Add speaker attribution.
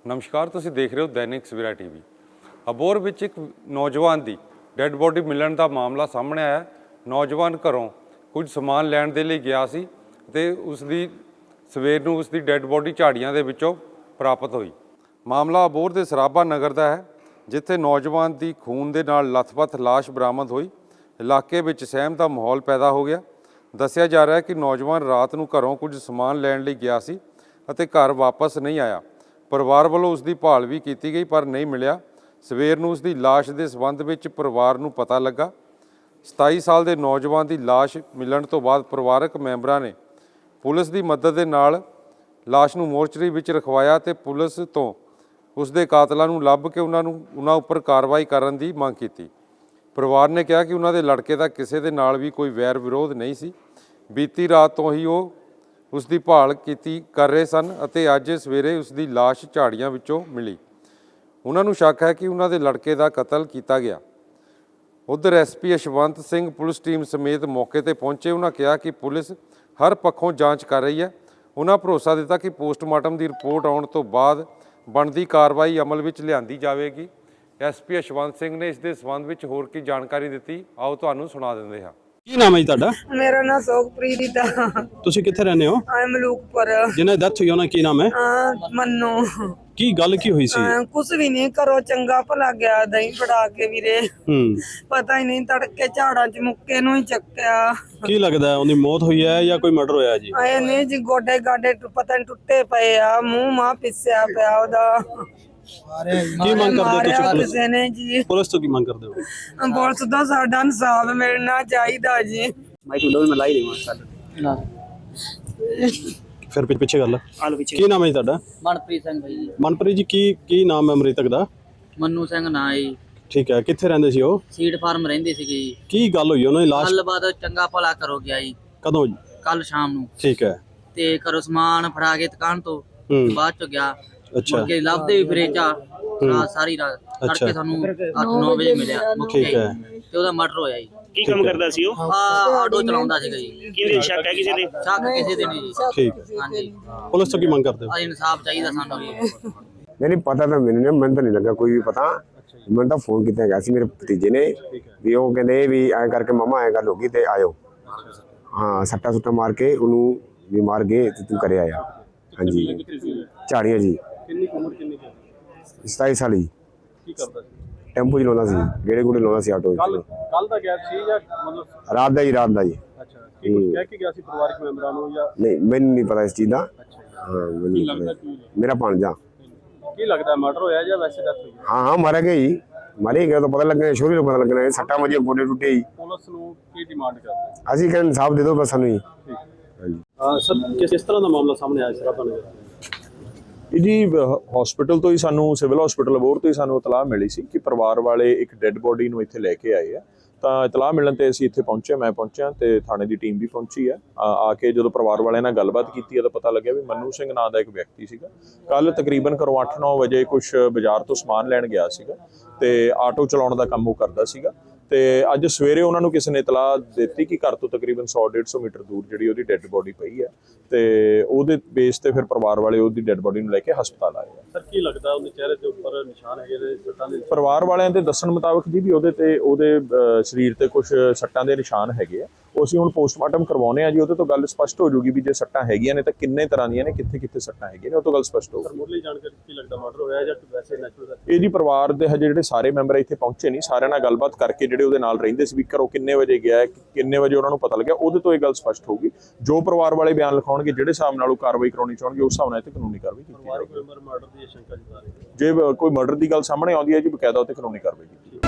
Speaker 1: नमस्कार, तुसीं देख रहे हो दैनिक सवेरा टीवी। अबोहर विच एक नौजवान की डैड बॉडी मिलण का मामला सामने आया। नौजवान घरों कुछ समान लैण दे लई गया सी ते उसदी सवेर नूं उसदी डैड बॉडी झाड़ियां दे विचों प्राप्त हुई। मामला अबोहर दे सराभा नगर का है, जिथे नौजवान की खून दे नाल लथपथ लाश बरामद हुई। इलाके विच सहम का माहौल पैदा हो गया। दस्सिया जा रहा है कि नौजवान रात नूं घरों कुछ समान लैण लई गया सी अते घर वापस नहीं आया। परिवार वालों उसकी भाल भी की गई पर नहीं मिलिया। सवेर नूं उसकी लाश के संबंध में परिवार नूं पता लगा। 27 साल के नौजवान की लाश मिलण तो बाद परिवारक मैंबरां ने पुलिस की मदद के नाल लाश नूं मोर्चरी विच रखवाया ते पुलिस तो उसके कातलों नूं लभ के उन्हां उपर कार्रवाई करन दी मंग कीती। परिवार ने कहा कि उन्होंने लड़के का किसी के नाल भी कोई वैर विरोध नहीं सी। बीती रात तो ही वो उसकी भाल कर रहे सन अते अज सवेरे उसकी लाश झाड़ियां विचों मिली। उन्होंने शक है कि उन्होंने लड़के का कतल किया गया। उधर SP Yashwant Singh police team समेत मौके पर पहुंचे। उन्होंने कहा कि पुलिस हर पक्षों जांच कर रही है। उन्होंने भरोसा दिता कि पोस्टमार्टम की रिपोर्ट आने तो बाद बनती कार्रवाई अमल में लिआंदी जाएगी। SP यशवंत सिंह ने इस संबंध में होर की जानकारी दी। आओ तुहानूं सुना दिंदे हां।
Speaker 2: ਕੀ ਨਾਮ ਹੈ ਜੀ ਤੁਹਾਡਾ?
Speaker 3: मेरा नाम सोखप्रीत है।
Speaker 2: ਤੁਸੀਂ ਕਿੱਥੇ ਰਹਿੰਦੇ ਹੋ?
Speaker 3: मलूकपुर।
Speaker 2: ਜਿਹਨਾਂ ਦੀ ਡੈਥ ਹੋਈ ਉਹਨਾਂ ਕੀ ਨਾਮ ਹੈ?
Speaker 3: मन्नू।
Speaker 2: ਕੀ ਗੱਲ ਕੀ ਹੋਈ ਸੀ?
Speaker 3: कुछ भी नहीं करो, चंगा भला गया दही फड़ा के वीरे। पता ही नहीं, तड़के झाड़ा च मुक्के नूं ही चक्या।
Speaker 2: ਕੀ ਲੱਗਦਾ ਹੈ ਉਹਦੀ ਮੌਤ ਹੋਈ ਹੈ ਜਾਂ ਕੋਈ ਮਰਡਰ ਹੋਇਆ ਜੀ?
Speaker 3: आए नहीं जी, गोडे गाडे पता नहीं टुटे पे आ, मुंह मां पिसया पिया ओदा।
Speaker 2: ਕੀ ਮੰਗ ਕਰਦੇ ਹੋ ਤੁਸੀਂ ਪੁਲਿਸ?
Speaker 3: किसी ने जी
Speaker 2: ਪੁਲਿਸ ਤੋਂ ਕੀ ਮੰਗ ਕਰਦੇ ਹੋ?
Speaker 3: पुलिस दा साडा इंसाफ मिलना चाहिदा जी।
Speaker 2: ਫਿਰ ਪਿੱਛੇ ਗੱਲ ਕੀ ਨਾਮ ਹੈ ਜੀ ਤੁਹਾਡਾ?
Speaker 4: ਮਨਪ੍ਰੀਤ ਸਿੰਘ ਭਾਈ ਜੀ।
Speaker 2: ਮਨਪ੍ਰੀਤ ਜੀ ਕੀ ਨਾਮ ਹੈ ਮ੍ਰਿਤਕ ਦਾ?
Speaker 4: ਮੰਨੂ ਸਿੰਘ ਨਾਂ ਜੀ।
Speaker 2: ਠੀਕ ਹੈ, ਕਿੱਥੇ ਰਹਿੰਦੇ ਸੀ ਉਹ?
Speaker 4: ਸੀਡ ਫਾਰਮ ਰਹਿੰਦੇ ਸੀਗੇ ਜੀ।
Speaker 2: ਕੀ ਗੱਲ ਹੋਈ ਉਹਨਾਂ ਦੀ ਲਾਸ਼
Speaker 4: ਗੱਲਬਾਤ ਚੰਗਾ ਭਲਾ ਕਰੋ ਗਿਆ ਜੀ
Speaker 2: ਕਦੋਂ ਜੀ?
Speaker 4: ਕੱਲ ਸ਼ਾਮ ਨੂੰ।
Speaker 2: ਠੀਕ ਹੈ।
Speaker 4: ਤੇ ਘਰੋਂ ਸਮਾਨ ਫੜਾ ਕੇ ਦੁਕਾਨ ਤੋਂ ਬਾਅਦ ਚ ਗਿਆ।
Speaker 2: ਅੱਛਾ।
Speaker 4: ਮੁੜ ਕੇ ਲੱਭਦੇ ਵੀ ਫਿਰੇ ਚਾ ਰਾਤ ਸਾਰੀ ਰਾਤ। ਤੜਕੇ ਸਾਨੂੰ 8-9 ਵਜੇ ਮਿਲਿਆ ਮੁੱਕੇ
Speaker 2: ਠੀਕ ਹੈ।
Speaker 4: ਤੇ ਉਹਦਾ ਮਰਡਰ ਹੋਇਆ ਜੀ।
Speaker 5: ਕੀ ਕੰਮ ਕਰਦਾ ਸੀ ਉਹ?
Speaker 4: ਆਟੋ ਚਲਾਉਂਦਾ ਸੀਗਾ ਜੀ।
Speaker 5: ਕਿਹਦੇ ਸ਼ੱਕ ਹੈ ਕਿਸੇ ਦੇ?
Speaker 4: ਸ਼ੱਕ ਕਿਸੇ ਦੇ ਨਹੀਂ ਜੀ।
Speaker 2: ਠੀਕ ਹੈ।
Speaker 4: ਹਾਂਜੀ,
Speaker 2: ਪੁਲਿਸ ਤੋਂ ਕੀ ਮੰਗ ਕਰਦੇ ਹੋ?
Speaker 4: ਅੱਜ ਇਨਸਾਫ ਚਾਹੀਦਾ ਸਾਨੂੰ ਜੀ।
Speaker 6: नहीं पता था मैंने तो नहीं लगा कोई भी पता। मैंने तो फोन किया गया सी मेरे भतीजे ने भी वो कहते भी ऐ करके मामा ऐ गल होगी तो आयो। हाँ, सट्टा सुट्टा मार के उन्होंने भी मार गए तो तू करे आया। हाँ जी, झाड़ियाँ जी। 27 साल ही टैंपू चलाता सी, गेड़े गूड़े लाता सी आटो।
Speaker 2: ਕੱਲ ਦਾ ਗੈਪ ਸੀ ਜਾਂ ਮਤਲਬ
Speaker 6: रात का जी।
Speaker 2: ਅੱਛਾ, ਕੀ ਕੁਝ ਕਹਿ ਕੇ ਗਿਆ ਸੀ ਪਰਿਵਾਰਕ ਮੈਂਬਰਾਂ ਨੂੰ ਜਾਂ?
Speaker 6: नहीं मैंने नहीं पता इस चीज़ का। हाँ, मैंने नहीं पता। मेरा भांजा।
Speaker 2: ਕੀ ਲੱਗਦਾ ਮਰਡਰ ਹੋਇਆ ਜਾਂ ਵੈਸੇ ਡੈਥ ਹੋਈ?
Speaker 6: हाँ हाँ, मारा गया ही। मारे गया तो पता लग गया, शोरी पता लग गया। सट्टा मजे गोडे टुटे ही।
Speaker 2: ਪੁਲਿਸ ਨੂੰ ਕੀ ਡਿਮਾਂਡ ਕਰਦੇ?
Speaker 6: ਅਸੀਂ ਕਹਿੰਦੇ ਇਨਸਾਫ ਦੇ ਦਿਓ ਬਸ ਸਾਨੂੰ ਹੀ।
Speaker 2: ਸਰ ਕਿਸ ਤਰ੍ਹਾਂ ਦਾ ਮਾਮਲਾ ਸਾਹਮਣੇ ਆਇਆ ਸਰ ਤੁਹਾਨੂੰ?
Speaker 7: ਜੀ ਹਸਪੀਟਲ ਤੋਂ ਹੀ ਸਾਨੂੰ ਸਿਵਲ ਹਸਪੀਟਲ ਅਬੋਹਰ ਤੋਂ ਹੀ ਸਾਨੂੰ ਇਤਲਾਹ ਮਿਲੀ ਸੀ ਕਿ ਪਰਿਵਾਰ ਵਾਲੇ ਇੱਕ ਡੈੱਡ ਬੋਡੀ ਨੂੰ ਇੱਥੇ ਲੈ ਕੇ ਆਏ ਆ। ਤਾਂ ਇਤਲਾਹ ਮਿਲਣ ਤੇ ਅਸੀਂ ਇੱਥੇ ਪਹੁੰਚੇ, ਮੈਂ ਪਹੁੰਚਿਆ ਤੇ ਥਾਣੇ ਦੀ ਟੀਮ ਵੀ ਪਹੁੰਚੀ ਹੈ। ਆ ਕੇ ਜਦੋਂ ਪਰਿਵਾਰ ਵਾਲਿਆਂ ਨਾਲ ਗੱਲਬਾਤ ਕੀਤੀ ਹੈ ਤਾਂ ਪਤਾ ਲੱਗਿਆ ਵੀ ਮੰਨੂ ਸਿੰਘ ਨਾਂ ਦਾ ਇੱਕ ਵਿਅਕਤੀ ਸੀਗਾ। ਕੱਲ ਤਕਰੀਬਨ ਘਰੋਂ 8-9 ਵਜੇ ਕੁਛ ਬਾਜ਼ਾਰ ਤੋਂ ਸਮਾਨ ਲੈਣ ਗਿਆ ਸੀਗਾ ਤੇ ਆਟੋ ਚਲਾਉਣ ਦਾ ਕੰਮ ਉਹ ਕਰਦਾ ਸੀਗਾ। ਤੇ ਅੱਜ ਸਵੇਰੇ ਉਹਨਾਂ ਨੂੰ ਕਿਸੇ ਨੇ ਇਤਲਾਹ ਦਿੱਤੀ ਕਿ ਘਰ ਤੋਂ ਤਕਰੀਬਨ 100-150 ਮੀਟਰ ਦੂਰ ਜਿਹੜੀ ਉਹਦੀ ਡੈੱਡ ਬੋਡੀ ਪਈ ਹੈ ਤੇ ਉਹਦੇ ਬੇਸ ਤੇ ਫਿਰ ਪਰਿਵਾਰ ਵਾਲੇ ਉਹਦੀ ਡੈੱਡ ਬੋਡੀ ਨੂੰ ਲੈ ਕੇ ਹਸਪਤਾਲ ਆਏ ਆ।
Speaker 2: ਸਰ ਕੀ ਲੱਗਦਾ ਉਹਦੇ ਚਿਹਰੇ ਤੇ ਉੱਪਰ ਨਿਸ਼ਾਨ ਹੈਗੇ ਨੇ ਸੱਟਾਂ ਦੇ?
Speaker 7: ਪਰਿਵਾਰ ਵਾਲਿਆਂ ਦੇ ਦੱਸਣ ਮੁਤਾਬਕ ਜੀ ਵੀ ਉਹਦੇ ਸਰੀਰ ਤੇ ਕੁਝ ਸੱਟਾਂ ਦੇ ਨਿਸ਼ਾਨ ਹੈਗੇ ਆ। ਉਹ ਅਸੀਂ ਹੁਣ ਪੋਸਟਮਾਰਟਮ ਕਰਵਾਉਣੇ ਆ ਜੀ। ਉਹਦੇ ਤੋਂ ਗੱਲ ਸਪਸ਼ਟ ਹੋ ਜੂਗੀ ਵੀ ਜੇ ਸੱਟਾਂ ਹੈਗੀਆਂ ਨੇ ਤਾਂ ਕਿੰਨੇ ਤਰ੍ਹਾਂ ਦੀਆਂ ਨੇ, ਕਿੱਥੇ ਸੱਟਾਂ ਹੈਗੀਆਂ ਨੇ, ਉਹ ਤੋਂ ਗੱਲ ਸਪਸ਼ਟ ਹੋਊਗੀ।
Speaker 2: ਮੁੱਢਲੀ ਜਾਣਕਾਰੀ ਕੀ ਲੱਗਦਾ ਮਰਡਰ ਹੋਇਆ ਜਾਂ ਵੈਸੇ ਨੈਚੁਰਲ?
Speaker 7: ਇਹ ਜੀ ਪਰਿਵਾਰ ਦੇ ਹਜੇ ਜਿਹੜੇ ਸਾਰੇ ਮੈਂਬਰ ਇੱਥੇ ਪਹੁੰਚੇ ਨਹੀਂ, ਸਾਰਿਆਂ ਨਾਲ ਗੱਲਬਾਤ ਕਰਕੇ ਜਿਹੜੇ ਉਹਦੇ ਨਾਲ ਰਹਿੰਦੇ ਸੀ ਵੀ ਘਰੋਂ ਕਿੰਨੇ ਵਜੇ ਗਿਆ, ਕਿੰਨੇ ਵਜੇ ਉਹਨਾਂ ਨੂੰ ਪਤਾ ਲੱਗਿਆ, ਉਹਦੇ ਤੋਂ ਇਹ ਗੱਲ ਸਪਸ਼ਟ ਹੋਊਗੀ। ਜੋ ਪਰਿਵਾਰ ਵਾਲੇ ਬਿਆਨ ਲਿਖਾਉਣਗੇ, ਜਿਹੜੇ ਹਿਸਾਬ ਨਾਲ ਉਹ ਕਾਰਵਾਈ ਕਰਾਉਣੀ ਚਾਹਣਗੇ, ਉਸ ਹਿਸਾਬ ਨਾਲ ਇੱਥੇ ਕਾਨੂੰਨੀ ਕਾਰਵਾਈ ਕੀਤੀ ਜਾਵੇਗੀ।
Speaker 2: ਮਰਡਰ ਦੀ ਸ਼ੰਕਾ ਜਤਾ ਰਹੀ ਹੈ।
Speaker 7: ਜੇ ਕੋਈ ਮਰਡਰ ਦੀ ਗੱਲ ਸਾਹਮਣੇ ਆਉਂਦੀ ਹੈ ਜੀ, ਬਕਾਇਦਾ ਉੱਤੇ ਕਾਨੂੰਨੀ ਕਾਰਵਾਈ ਕੀਤੀ ਜਾਵੇਗੀ।